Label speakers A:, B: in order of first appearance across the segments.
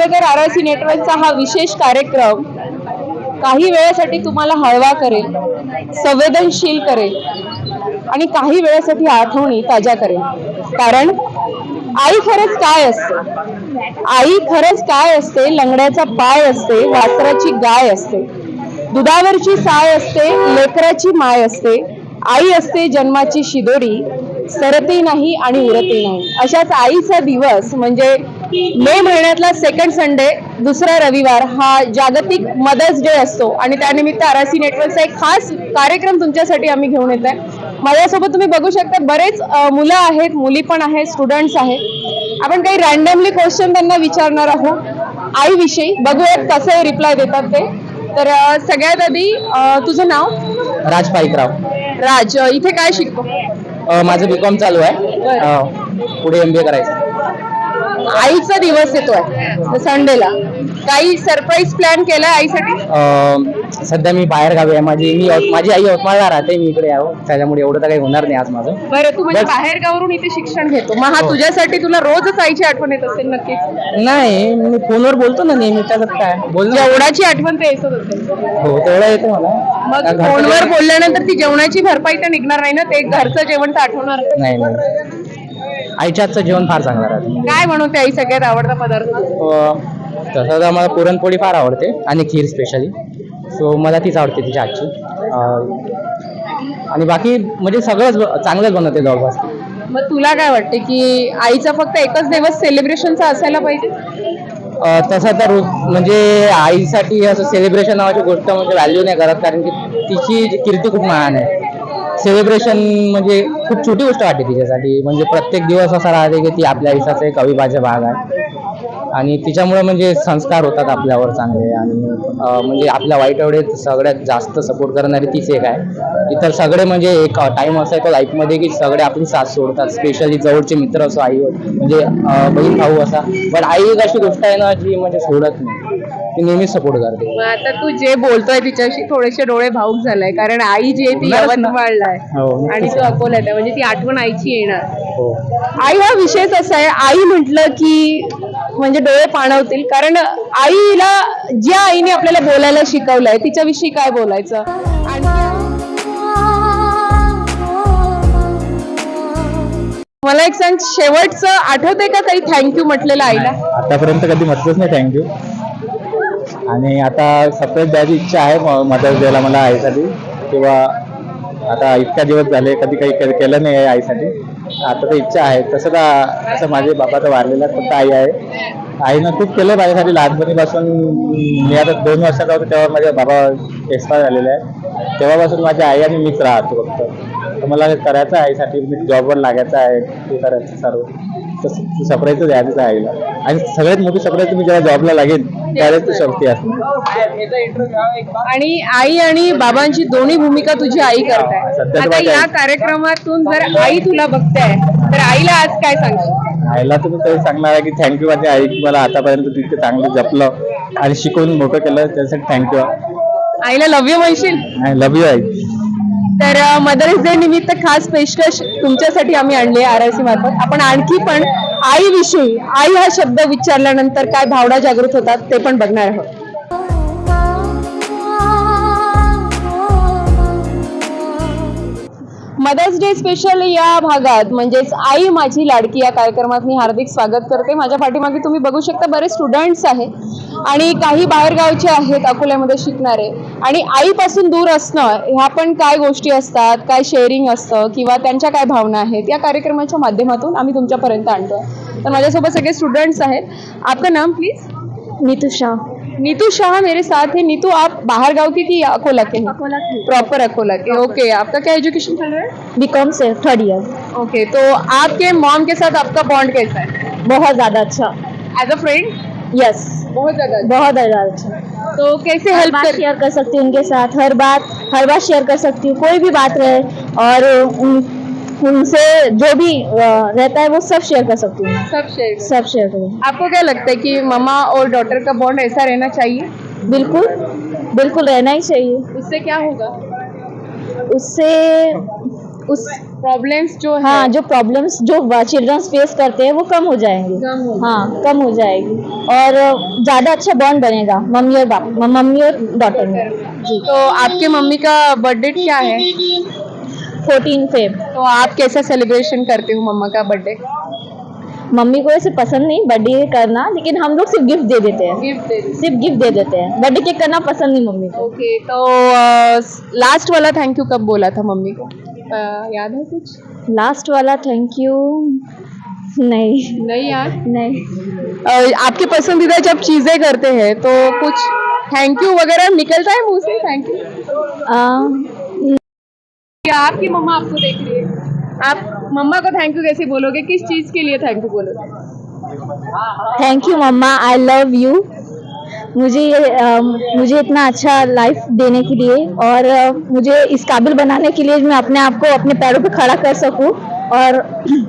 A: तर आरआरसी नेटवर्कचा हा विशेष कार्यक्रम काही वेळासाठी तुम्हाला हळवा करेल, संवेदनशील करेल आणि काही वेळासाठी आठवणी ताज्या करेल. कारण आई खरंच काय असते? आई खरंच काय असते? लंगड्याचा पाय असते, वासराची गाय असते, दुधावरची साय असते, लेकराची माय असते. आई असते जन्माची शिदोरी, सरतही नाही आणि उरतही नाही. अशाच आईचा दिवस म्हणजे मे महिन्यातला सेकंड संडे, दुसरा रविवार हा जागतिक मदर्स डे असतो आणि त्यानिमित्त आरआरसी नेटवर्कचा एक खास कार्यक्रम तुमच्यासाठी आम्ही घेऊन येत आहे. माझ्यासोबत तुम्ही बघू शकता बरेच मुलं आहेत, मुली पण आहेत, स्टुडंट्स आहेत. आपण काही रॅन्डमली क्वेश्चन त्यांना विचारणार आहोत आईविषयी. बघूयात कसं रिप्लाय देतात ते. तर सगळ्यात आधी तुझं नाव?
B: राज पाईकराव.
A: राज, इथे काय शिकतो?
B: माझं बीकॉम चालू आहे, पुढे MBA करायचं.
A: आईचा दिवस येतोय संडेला, काही सरप्राईज प्लॅन केलाय आईसाठी?
B: सध्या मी बाहेर गावी आहे. माझी आई यवतमाळला राहते, मी इकडे आहे, त्याच्यामुळे एवढं तर काही होणार नाही आज माझं.
A: बरं, तू म्हणजे बाहेर गावावरून इथे शिक्षण घेतो, मग हा तुझ्यासाठी तुला रोजच आईची आठवण येत असेल नक्कीच?
B: नाही, मी फोनवर बोलतो ना नेहमी, त्याच्यात काय बोल.
A: जेवणाची आठवण तर येतच असेल.
B: हो, तेवढं येतं मला.
A: मग फोनवर बोलल्यानंतर ती जेवणाची भरपाई तर निघणार नाही ना? ते घरचं जेवण तर आठवणार
B: नाही. आईच्या हातचं जेवण फार चांगलं राहतं.
A: काय बनवते आई? सगळ्यात आवडता पदार्थ?
B: तसं तर मला पुरणपोळी फार आवडते आणि खीर स्पेशली, सो मला तीच आवडते तिच्या हातची. आणि बाकी म्हणजे सगळंच चांगलंच बनवते जवळपास.
A: मग तुला काय वाटते की आईचा फक्त एकच दिवस सेलिब्रेशनचा असायला पाहिजे?
B: तसं तर म्हणजे आईसाठी असं सेलिब्रेशन नावाची गोष्ट म्हणजे व्हॅल्यू नाही करत, कारण की तिची कीर्ती खूप महान आहे. सेलिब्रेशन म्हणजे खूप छोटी गोष्ट वाटते तिच्यासाठी. म्हणजे प्रत्येक दिवस असा राहते की ती आपल्या आयुष्याचा एक अविभाज्य भाग आहे आणि तिच्यामुळे म्हणजे संस्कार होतात आपल्यावर चांगले. आणि म्हणजे आपल्या वाईट वेळेत सगळ्यात जास्त सपोर्ट करणारी तीच एक आहे. इतर सगळे म्हणजे एक टाइम असा येतो लाईफमध्ये की सगळे आपली साथ सोडतात, स्पेशली जवळचे मित्र असो, आई म्हणजे बहीण भाऊ असा. पण आई एक अशी गोष्ट आहे ना जी म्हणजे सोडत नाही, ती नेहमीच सपोर्ट करते.
A: आता तू जे बोलतोय तिच्याशी थोडेसे डोळे भाऊक झालाय, कारण आई जी आहे ती यवतमाळला आहे आणि तू अकोल्यात आहे, म्हणजे ती आठवण आईची येणार. आई हा विषयच असा आहे, आई म्हटलं की म्हणजे डोळे पाणवतील. कारण आईला, ज्या आईने आपल्याला बोलायला शिकवलंय तिच्याविषयी काय बोलायचं. मला एक सांग, शेवटचं आठवतंय का काही थँक्यू म्हटलेलं आईला?
B: आतापर्यंत कधी म्हटलंच नाही थँक्यू. आणि आता सरप्राईज द्यायची इच्छा आहे मदर्स डेला मला आईसाठी. किंवा आता इतक्या दिवस झाले कधी काही केलं नाही आहे आईसाठी, आता तर इच्छा आहे. तसं तर असं माझे बाबा तर वारलेला, फक्त आई आहे. आईनं खूप केलं माझ्यासाठी लहानपणीपासून. मी आता 2 वर्षाचा होतो तेव्हा माझे बाबा एक्सपायर झालेले आहे. तेव्हापासून माझी आई आणि मीच राहतो फक्त. तर मला हे करायचं आहे आईसाठी, मी जॉबवर लागायचं आहे, ते करायचं सर्व. तसं सरप्राईज द्यायचं आहे आईला. आणि सगळ्यात मोठी सरप्राईज मी जेव्हा जॉबला लागेल त्यावेळेस ती शक्ती असते.
A: आणि आई आणि बाबांची दोन्ही भूमिका तुझी आई करताय. आता या कार्यक्रमातून जर आई तुला बघताय तर आईला आज काय सांगशील?
B: आईला तुम्ही तरी सांगणार आहे की थँक्यू माझी आई, की मला आतापर्यंत तिथे चांगलं जपलं आणि शिकवून मोठं केलं, त्यासाठी थँक्यू.
A: आईला लव्ह यू म्हणशील?
B: आय लव्ह यू आई.
A: तर मदर्स डे निमित्त खास पेशकश तुमच्यासाठी आम्ही आणली आहे आरआरसी मार्फत. आपण आणखी पण आईविषयी, आई हा शब्द विचारल्यानंतर काय भावना जागृत होतात ते पण बघणार आहोत. मदर्स डे स्पेशल या भागात म्हणजेच आई माझी लाडकी या कार्यक्रमात मी हार्दिक स्वागत करते. माझ्या पाठीमागे तुम्ही बघू शकता बरेच स्टुडंट्स आहेत आणि काही बाहेरगावचे आहेत, अकोल्यामध्ये शिकणारे. आणि आईपासून दूर असणं ह्या पण काय गोष्टी असतात, काय शेअरिंग असतं किंवा त्यांच्या काय भावना आहेत, या कार्यक्रमाच्या माध्यमातून आम्ही तुमच्यापर्यंत आणतो. तर माझ्यासोबत सगळे स्टुडंट्स आहेत. आपका नाम प्लीज?
C: नीतू शाह.
A: नीतू शाह मेरे साथ है. नीतू, आप बाहर गांव की कि अकोला के?
C: अकोला की.
A: प्रॉपर अकोला के. ओके, आपका क्या एजुकेशन चल रहा है?
C: बीकॉम से 3rd ईयर.
A: ओके, तो आपके मॉम के साथ आपका बॉन्ड कैसा है?
C: बहुत ज्यादा अच्छा.
A: As a friend?
C: यस,
A: बहुत ज्यादा.
C: बहुत ज्यादा अच्छा.
A: तो कैसे
C: हर
A: हेल्प
C: बात
A: कर?
C: शेयर कर सकती हूँ उनके साथ, हर बात शेयर कर सकती हूँ, कोई भी बात रहे. और उनसे जो भी रहता है वो सब शेयर कर सकती हूँ. सब शेयर करूँ.
A: आपको क्या लगता है कि ममा और डॉटर का बॉन्ड ऐसा रहना चाहिए?
C: बिल्कुल बिल्कुल रहना ही चाहिए.
A: उससे क्या होगा?
C: उससे
A: प्रॉब्लम्स जो है
C: हाँ, जो प्रॉब्लम्स जो चिल्ड्रंस फेस करते हैं वो कम हो जाएंगे। हाँ, कम हो जाएगी और ज्यादा अच्छा बॉन्ड बनेगा मम्मी और डॉटर में। जी।
A: तो आपके मम्मी का बर्थडे क्या है?
C: 14 फेब।
A: तो आप कैसा सेलिब्रेशन करते हो मम्मा का बर्थडे?
C: मम्मी को ऐसे पसंद नहीं बर्थडे करना, लेकिन हम लोग सिर्फ गिफ्ट दे देते हैं।
A: गिफ्ट दे
C: सिर्फ गिफ्ट दे देते हैं, बर्थडे केक करना पसंद नहीं मम्मी को।
A: ओके, तो लास्ट वाला थैंक यू कब बोला था मम्मी को? याद है कुछ?
C: लास्ट वाला थैंक यू नहीं।
A: नहीं याद।
C: नहीं।
A: आपके पसंदीदा जब चीजें करते हैं तो कुछ थैंक यू वगैरह निकलता है मुंह से? Thank you. क्या आपकी मम्मा आपको देख रही है? आप मम्मा को थैंक यू कैसे बोलोगे? किस चीज के लिए थैंक यू बोलोगे?
C: Thank you mama, I love you. मुझे इतना अच्छा लाइफ देने के लिए और मुझे इस काबिल बनाने के लिए मैं अपने आप को अपने पैरों पे खड़ा कर सकूं और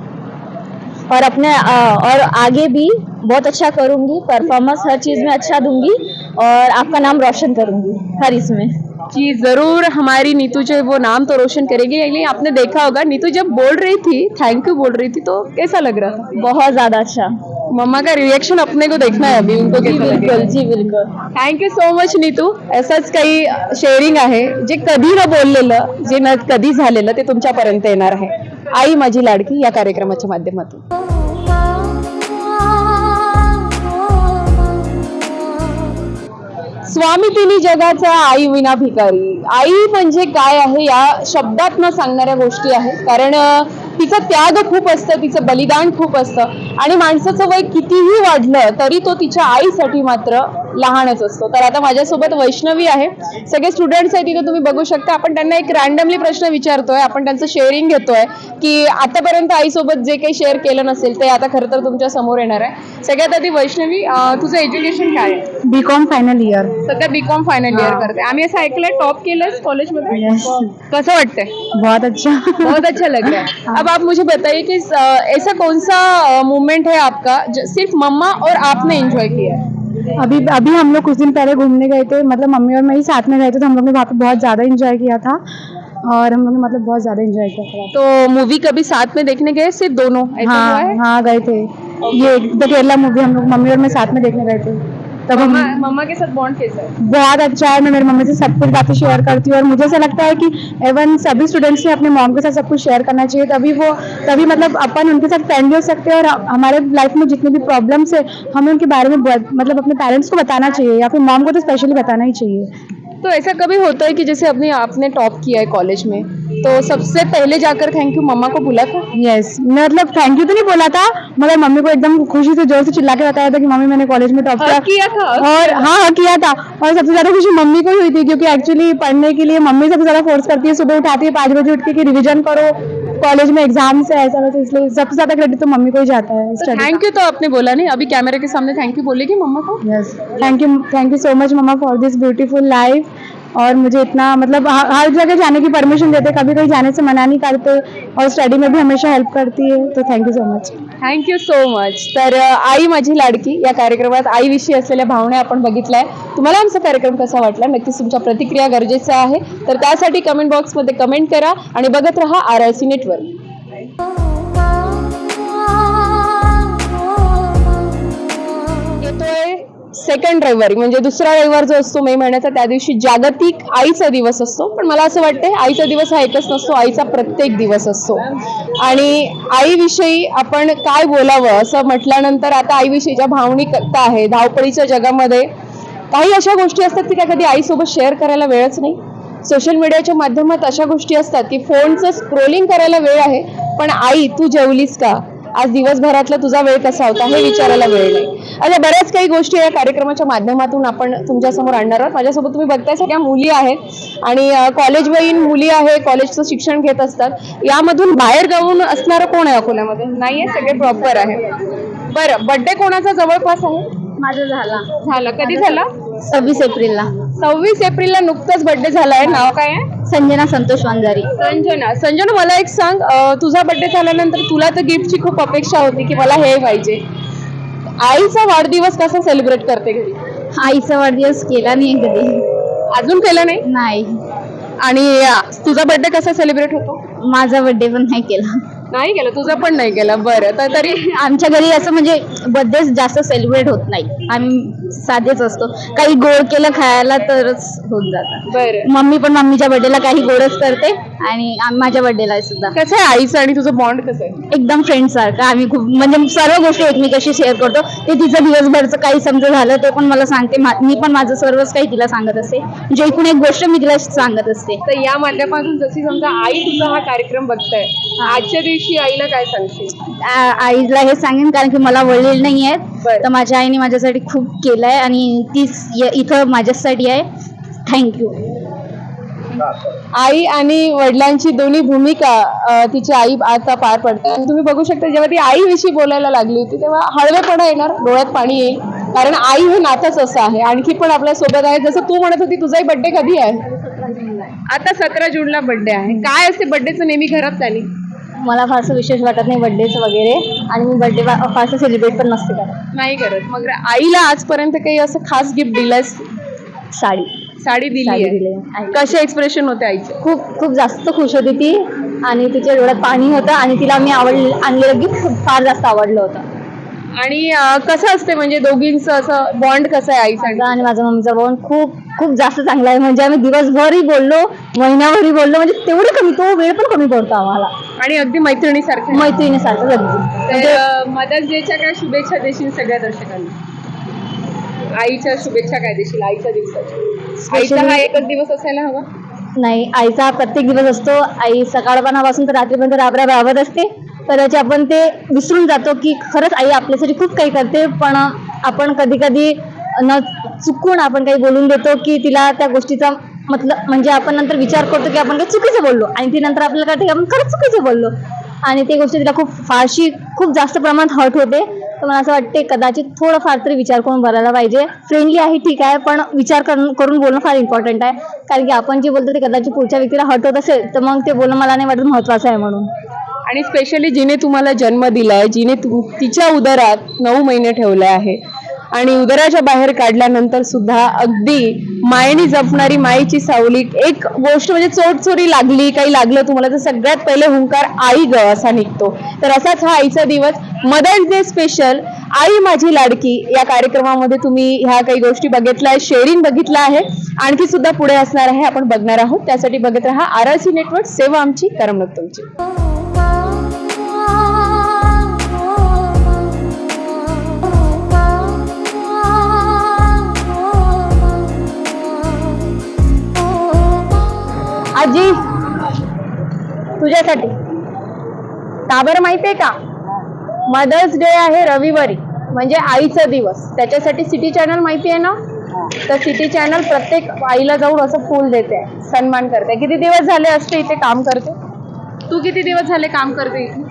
C: और आगे भी बहुत अच्छा करूंगी, परफॉर्मेंस हर चीज में अच्छा दूंगी और आपका नाम रोशन करूंगी हर इसमें।
A: जी जरूर, हमारी नीतू जो है वो नाम तो रोशन करेगी। लेकिन आपने देखा होगा नीतू जब बोल रही थी, थैंक यू बोल रही थी, तो कैसा लग रहा था?
C: बहुत ज्यादा अच्छा।
A: मम्मा का रिएक्शन अपने को देखना है अभी, उनको कैसा लगेगा।
C: बिल्कुल जी, बिल्कुल।
A: Thank you so much Neetu. असंच काही शेअरिंग आहे जे कधी न बोललेलं, जे न कधी झालेलं ते तुमच्यापर्यंत येणार आहे. आई माझी लाडकी या कार्यक्रमाच्या माध्यमातून. स्वामी तिन्ही जगाचा आई विना भिकारी. आई म्हणजे काय आहे या शब्दात न सांगणाऱ्या गोष्टी आहेत. कारण तिचं त्याग खूप असतं, तिचं बलिदान खूप असतं आणि माणसाचं वय कितीही वाढलं तरी तो तिच्या आईसाठी मात्र लहानच असतो. तर आता माझ्यासोबत वैष्णवी आहे, सगळे स्टुडंट्स आहेत तिथे तुम्ही बघू शकता. आपण त्यांना एक रँडमली प्रश्न विचारतोय, आपण त्यांचं शेअरिंग घेतोय की आतापर्यंत आईसोबत जे काही शेअर केलं नसेल ते आता खरं तर तुमच्या समोर येणार आहे. सगळ्यात आधी वैष्णवी, तुझं एज्युकेशन काय आहे?
C: BCom final year.
A: सध्या बीकॉम फायनल इयर करते. आम्ही असं ऐकलंय टॉप केलंस कॉलेजमध्ये.
C: Yes.
A: कसं वाटतंय?
C: बहुत अच्छा।
A: बहुत अच्छा लग रहा है. अब आप मुझे बताइए कि ऐसा कौन सा मोमेंट है आपका जो सिर्फ मम्मा और आपने एंजॉय किया है?
C: अभी हम लोग कुछ दिन पहले घूमने गए थे, मतलब मम्मी और मैं ही साथ में गए थे, तो हम लोग ने वहाँ पे बहुत ज़्यादा एंजॉय किया था और हम लोग ने मतलब बहुत ज़्यादा एंजॉय किया था।
A: तो मूवी कभी साथ में देखने गए, सिर्फ दोनों ऐसा हुआ है?
C: हाँ गए थे। ये द केरला मूवी हम लोग मम्मी और मैं साथ में देखने गए थे। तब
A: मम्मा के साथ बॉन्ड कैसा है?
C: बहुत अच्छा है। मैं मेरी मम्मी से सब कुछ बातें शेयर करती हूँ और मुझे ऐसा लगता है कि एवन सभी स्टूडेंट्स ने अपने मॉम के साथ सब कुछ शेयर करना चाहिए, तभी मतलब अपन उनके साथ फ्रेंडली हो सकते हैं और हमारे लाइफ में जितने भी प्रॉब्लम्स है हमें उनके बारे में मतलब अपने पेरेंट्स को बताना चाहिए या फिर मॉम को तो स्पेशली बताना ही चाहिए।
A: तो ऐसा कभी होता है कि जैसे अभी आपने टॉप किया है कॉलेज में, तो सबसे पहले जाकर थैंक यू मम्मा को बोला था?
C: यस, मतलब थैंक यू तो नहीं बोला था, मगर मम्मी को एकदम खुशी से जोर से चिल्ला के बताया था कि मम्मी मैंने कॉलेज में टॉप
A: किया था।
C: और हाँ किया था। और सबसे ज्यादा खुशी मम्मी को ही हुई थी क्योंकि एक्चुअली पढ़ने के लिए मम्मी सबसे ज्यादा फोर्स करती है, सुबह उठाती है 5 बजे उठ के कि रिविजन करो, कॉलेज में एग्जाम से ऐसा वैसा, इसलिए सबसे ज्यादा क्रेडिट तो मम्मी को ही जाता है।
A: थैंक यू तो आपने बोला नहीं, अभी कैमरे के सामने थैंक यू बोलेगी मम्मा को?
C: Yes, thank you so much mama for this beautiful life. और मुझे इतना मतलब हर जगह जाने की परमिशन देते, कभी कहीं जाने से मना नहीं करते और स्टडी में भी हमेशा हेल्प करती है, तो thank you so much.
A: Thank you so much. तर आई माझी लाडकी या कार्यक्रमात आईविषयी असलेल्या भावना आपण बघितल्या. तुम्हाला आमचा कार्यक्रम कसा वाटला नक्कीच तुमच्या प्रतिक्रिया गरजेचं आहे. तर त्यासाठी कमेंट बॉक्समध्ये कमेंट करा आणि बघत रहा RRC नेटवर्क. येतोय सेकंड रविवारी, म्हणजे दुसरा रविवार जो असतो मे महिन्याचा, त्या दिवशी जागतिक आईचा दिवस असतो. पण मला असं वाटतंय आईचा दिवस हा एकच नसतो, आईचा प्रत्येक दिवस असतो. आणि आईविषयी आपण काय बोलावं असं म्हटल्यानंतर आता आईविषयीच्या भावनिकता आहे. धावपळीच्या जगामध्ये काही अशा गोष्टी असतात की त्या कधी आईसोबत शेअर करायला वेळच नाही. सोशल मीडियाच्या माध्यमात अशा गोष्टी असतात की फोनचं स्क्रोलिंग करायला वेळ आहे, पण आई तू जेवलीस का, आज दिवसभरातला तुझा वेळ कसा होता हे विचारायला वेळ नाही. अशा बऱ्याच काही गोष्टी या कार्यक्रमाच्या माध्यमातून आपण तुमच्यासमोर आणणार आहोत. माझ्यासोबत तुम्ही बघताय सगळ्या मुली आहेत आणि कॉलेजवयीन मुली आहे, कॉलेजचं शिक्षण घेत असतात. यामधून बाहेर गावून असणारं कोण आहे अकोल्यामध्ये? नाहीये, सगळे प्रॉपर आहे. बरं, बर्थडे कोणाचा जवळपास आहे?
C: माझा
A: झाला. कधी झाला?
C: 26 एप्रिलला.
A: 26 एप्रिलला नुकताच बर्थडे झालाय. नाव काय आहे?
C: संजना संतोष वंजारी.
A: संजना मला एक सांग, तुझा बर्थडे झाल्यानंतर तुला तर गिफ्टची खूप अपेक्षा होती की मला हे पाहिजे. आईचा वाढदिवस कसा सेलिब्रेट करते घरी?
C: आईचा वाढदिवस केला नाही कधी.
A: अजून केला नाही?
C: नाही.
A: आणि तुझा बर्थडे कसा सेलिब्रेट होतो?
C: माझा बर्थडे पण नाही केला.
A: नाही केलं, तुझं पण नाही केलं. बरं, तर तरी
C: आमच्या घरी असं म्हणजे बर्थडे जास्त सेलिब्रेट होत नाही, आम्ही साधेच असतो. काही गोड केलं खायला तरच होऊन जातं.
A: बरं.
C: मम्मी पण मम्मीच्या बर्थडेला काही गोडच करते आणि माझ्या बर्थडेला सुद्धा
A: कसं आहे आईचं आणि तुझं बॉन्ड कसं आहे?
C: एकदम फ्रेंड सारखं. आम्ही खूप म्हणजे सर्व गोष्टी एकमेकाशी शेअर करतो. ते तिचं दिवसभरचं काही समजा झालं ते पण मला सांगते, मी पण माझं सर्वच काही तिला सांगत असते. म्हणजे एकूण एक गोष्ट मी तिला सांगत असते.
A: तर या माध्यमातून जशी समजा आई तुझा हा कार्यक्रम बघताय, आजच्या दिवशी आईला काय सांगशील?
C: आईला हे सांगेन कारण की मला वडील नाही आहेत,
A: बरं.
C: तर माझ्या आईने माझ्यासाठी खूप केलंय आणि तीच इथं माझ्यासाठी आहे. थँक्यू.
A: आई आणि वडिलांची दोन्ही भूमिका तिची आई आता पार पडते. आणि तुम्ही बघू शकता जेव्हा ती आईविषयी बोलायला लागली होती तेव्हा हळवेपणा येणार, डोळ्यात पाणी येईल, कारण आई हे नातंच असं आहे. आणखी पण आपल्या सोबत आहे, जसं तू म्हणत होती तुझाही बर्थडे कधी आहे? आता 17 जूनला बर्थडे आहे. काय असते बर्थडेचं नेहमी घरात प्लॅनिंग?
C: मला फारसं विशेष वाटत नाही बर्थडेचं वगैरे, आणि मी बर्थडे फारसं सेलिब्रेट पण नसते करत.
A: नाही करत. मग आईला आजपर्यंत काही असं खास गिफ्ट दिलंस?
C: साडी
A: साडी दिली
C: साडी
A: आहे.
C: दिली आहे.
A: कसे एक्सप्रेशन होते आईचे?
C: खूप खूप जास्त खुश होती ती, आणि तिच्या डोळ्यात पाणी होतं, आणि तिला मी आणलेलं गिफ्ट फार जास्त आवडलं होतं.
A: आणि कसं असते म्हणजे दोघींचं असं बॉन्ड कसं आहे आईसाठी?
C: माझा आणि माझ्या मम्मीचा बॉन्ड खूप खूप जास्त चांगला आहे. म्हणजे आम्ही दिवसभरही बोललो, महिन्याभरही बोललो, म्हणजे तेवढं कमी, तो वेळ पण कमी पडतो आम्हाला.
A: आणि अगदी मैत्रिणीसारखं.
C: मैत्रिणीसारखं अगदी.
A: तर मदर्स डेच्या काय शुभेच्छा देशील सगळ्या दर्शकांना? आईच्या शुभेच्छा काय देशील आईच्या दिवसाच्या? आईचा हा एकच दिवस असायला हवा?
C: नाही, आईचा हा प्रत्येक दिवस असतो. आई सकाळपणापासून तर रात्रीपर्यंत राबत असते. कदाचित आपण ते विसरून जातो की खरंच आई आपल्यासाठी खूप काही करते, पण आपण कधी कधी न चुकून आपण काही बोलून देतो की तिला त्या गोष्टीचा मतलब म्हणजे आपण नंतर विचार करतो की आपण काही चुकीचं बोललो, आणि ती नंतर आपल्याला कळते की आपण खरंच चुकीचं बोललो, आणि ती गोष्ट तिला खूप जास्त प्रमाणात हर्ट होते. तर मला असं वाटते कदाचित थोडं फार तरी विचार करून बोलायला पाहिजे. फ्रेंडली आहे ठीक आहे, पण विचार करून बोलणं फार इम्पॉर्टंट आहे. कारण की आपण जे बोलतो ते कदाचित पुढच्या व्यक्तीला हर्ट होत असेल तर मग ते बोलणं मला नाही वाटत महत्वाचं आहे म्हणून.
A: आणि स्पेशली जिने तुम्हाला जन्म दिलाय, जिने तिच्या उदरात 9 महिने ठेवले आहे आणि उदराच्या बाहेर काढल्यानंतर सुद्धा अगदी मायेने जपणारी मायेची सावली, एक गोष्ट म्हणजे चोरी लागली, काही लागलं तुम्हाला तर सगळ्यात पहिले हुंकार आई ग असा निघतो. तर असाच हा आईचा दिवस, मदर्स डे स्पेशल आई माझी लाडकी या कार्यक्रमामध्ये तुम्ही ह्या काही गोष्टी बघितल्या, शेअरिंग बघितलं आहे, आणखी सुद्धा पुढे असणार आहे, आपण बघणार आहोत. त्यासाठी बघत राहा RRC नेटवर्क, सेवा आमची, करमणूक तुमची. आजी तुझ्यासाठी का बरं माहितीये का? मदर्स डे आहे रविवारी, म्हणजे आईचा दिवस. त्याच्यासाठी सिटी चॅनल माहिती आहे ना? तर सिटी चॅनल प्रत्येक आईला जाऊन असं फूल देते, सन्मान करते. किती दिवस झाले असते इथे काम करते? तू किती दिवस झाले काम करते इथे?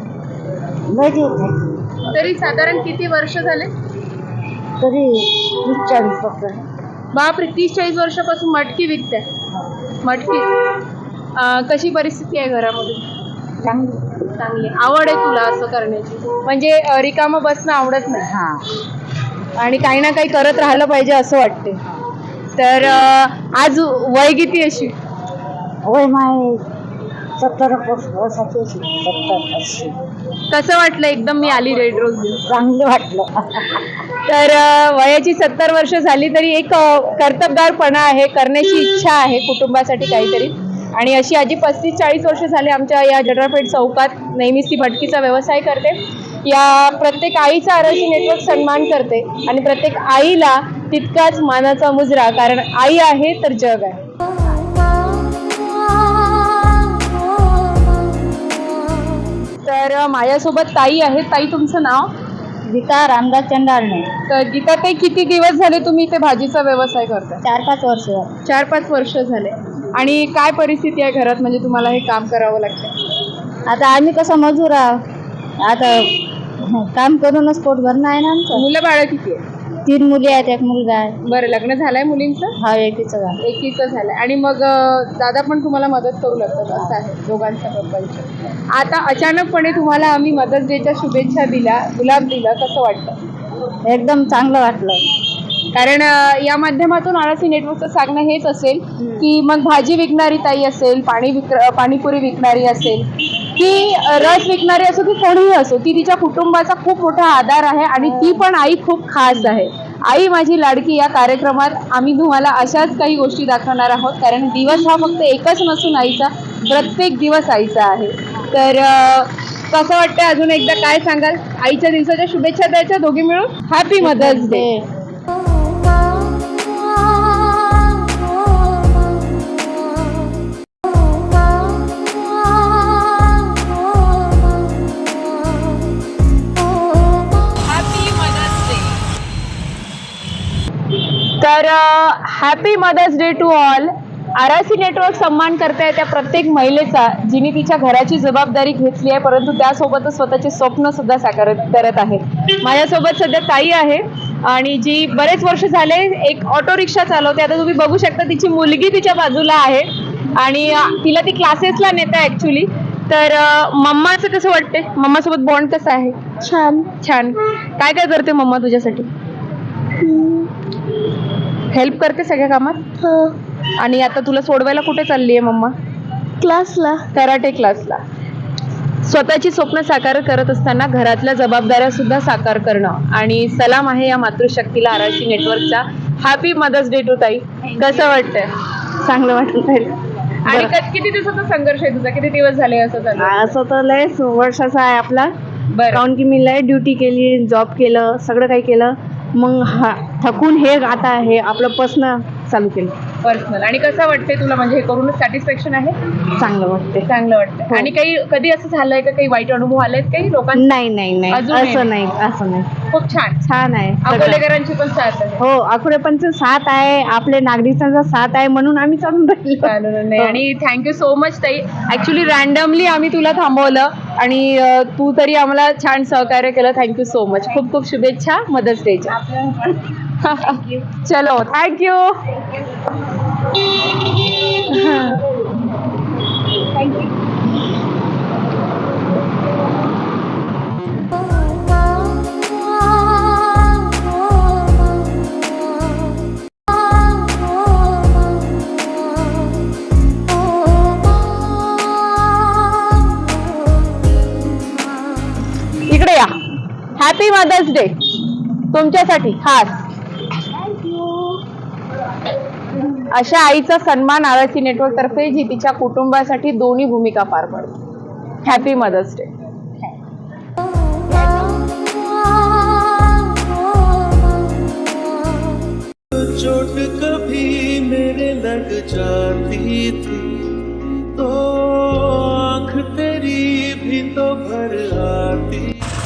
A: तरी साधारण किती वर्ष झाले?
C: तरी 40
A: बापरे, 30-40 वर्षापासून मटकी विकते. मटकी कशी परिस्थिती आहे घरामध्ये? चांगली. आवड आहे तुला असं करण्याची, म्हणजे रिकामं बसणं आवडत नाही आणि काही ना काही करत राहिलं पाहिजे असं वाटते. तर आज वय किती अशी?
C: वय माय 70 वर्षाची. 70-80.
A: कसं वाटलं एकदम मी आली रेड रोज घेऊन?
C: चांगलं वाटलं.
A: तर वयाची 70 वर्ष झाली तरी एक कर्तबगारपणा आहे, करण्याची इच्छा आहे कुटुंबासाठी काहीतरी. आणि अशी आजी 35-40 वर्ष झाले आमच्या या जडरपेठ चौकात नेहमीच ती भटकीचा व्यवसाय करते. या प्रत्येक आईचा RRC नेटवर्क सन्मान करते आणि प्रत्येक आईला तितकाच मानाचा मुजरा, कारण आई आहे तर जग आहे. तर माझ्यासोबत ताई आहे. ताई तुमचं नाव?
C: गीता रामदास चंडारणे.
A: तर गीता ताई, किती दिवस झाले तुम्ही इथे भाजीचा व्यवसाय करताय?
C: 4-5 वर्ष.
A: 4-5 वर्ष झाले. आणि काय परिस्थिती आहे घरात, म्हणजे तुम्हाला हे काम करावं लागतं?
C: आता आम्ही कसं मजूर आहोत, आता काम करूनच पोट भरणं आहे ना आमचं.
A: मुलं बाळ किती आहे?
C: 3 मुली आहेत, 1 मुलगा आहे.
A: बरं, लग्न झालंय मुलींचं?
C: हा, एकीचं झालं.
A: एकीचं झालंय. आणि मग दादा पण तुम्हाला मदत करू लागतात असं आहे दोघांच्या पप्पांच्या. आता अचानकपणे तुम्हाला आम्ही मदर्स डेच्या शुभेच्छा दिल्या, गुलाब दिला, कसं वाटतं?
C: एकदम चांगलं वाटलं.
A: कारण या माध्यमातून आरसी नेटवर्कचं सांगणं हेच असेल की मग भाजी विकणारी ताई असेल, पाणीपुरी विकणारी असेल, की रस विकणारी असो की कोणीही असो, ती तिच्या कुटुंबाचा खूप मोठा आधार आहे आणि ती पण आई खूप खास आहे. आई माझी लाडकी या कार्यक्रमात आम्ही तुम्हाला अशाच काही गोष्टी दाखवणार आहोत, कारण दिवस हा फक्त एकच नसून आईचा, प्रत्येक दिवस आईचा आहे. तर कसं वाटतं, अजून एकदा काय सांगाल? आईच्या दिवसाच्या शुभेच्छा द्यायच्या दोघी मिळून. Happy mother's day. तर happy mother's day to all. RC network सन्मान करताय त्या प्रत्येक महिलेचा जिने तिच्या घराची जबाबदारी घेतली आहे, परंतु त्यासोबतच स्वतःचे स्वप्न सुद्धा साकार करत आहे. माझ्यासोबत सध्या ताई आहे आणि जी बरेच वर्ष झाले एक ऑटो रिक्षा चालवते. आता तुम्ही बघू शकता तिची मुलगी तिच्या बाजूला आहे आणि तिला ती क्लासेसला नेते ऍक्च्युली. तर मम्माचं कसं वाटते? मम्मासोबत बॉन्ड कसा आहे?
C: छान.
A: छान. काय काय करते मम्मा तुझ्यासाठी? हेल्प करते सगळ्या कामात? आणि आता तुला सोडवायला कुठे चालली आहे मम्मा?
C: क्लासला.
A: कराटे क्लासला. स्वतःची स्वप्न साकार करत असताना घरातल्या जबाबदाऱ्या सुद्धा साकार करणं आणि सलाम आहे या मातृशक्तीला आरसी नेटवर्कचा. हॅपी मदर्स डे टू ताई. कसं वाटतंय?
C: चांगलं वाटत आहे.
A: आणि किती दिवसाचा संघर्ष आहे तुझा? किती दिवस झाले असं चालू?
C: असं तर लय वर्षाचा आहे आपला.
A: बरं.
C: काऊन की मी लय ड्युटी केली, जॉब केलं, सगळं काही केलं, मग थकून हे आता हे आपलं पर्सनल चालू केलं.
A: पर्सनल. आणि कसं वाटते तुला? म्हणजे हे करून सॅटिस्फॅक्शन आहे?
C: चांगलं वाटते.
A: चांगलं वाटतं.
C: हो.
A: आणि काही कधी असं झालंय का, काही वाईट अनुभव आलेत काही लोकांना?
C: नाही नाही नाही,
A: अजून
C: असं नाही, असं नाही.
A: खूप छान.
C: छान आहे सगळं.
A: अकोलेकरांची पण साथ आहे.
C: हो, अकोलेपणचं साथ आहे, आपल्या नागरिकांचा साथ आहे, म्हणून आम्ही चालून राहिलो.
A: चालेल. नाही, आणि थँक्यू सो मच ताई. ऍक्च्युली रॅन्डमली आम्ही तुला थांबवलं आणि तू तरी आम्हाला छान सहकार्य केलं. Thank you so much. खूप खूप शुभेच्छा मदर्स डेच्या. चलो, थँक्यू. इकडे या. हॅपी मदर्स डे तुमच्यासाठी खास. अशा आईचा सन्मान आरसी नेटवर्क तर्फे, जी तिच्या कुटुंबासाठी दोन्ही भूमिका पार पडते. Happy mother's day.
D: चोट कभी मेरे लग जाती थी तो आँख तेरी भी तो भर आती.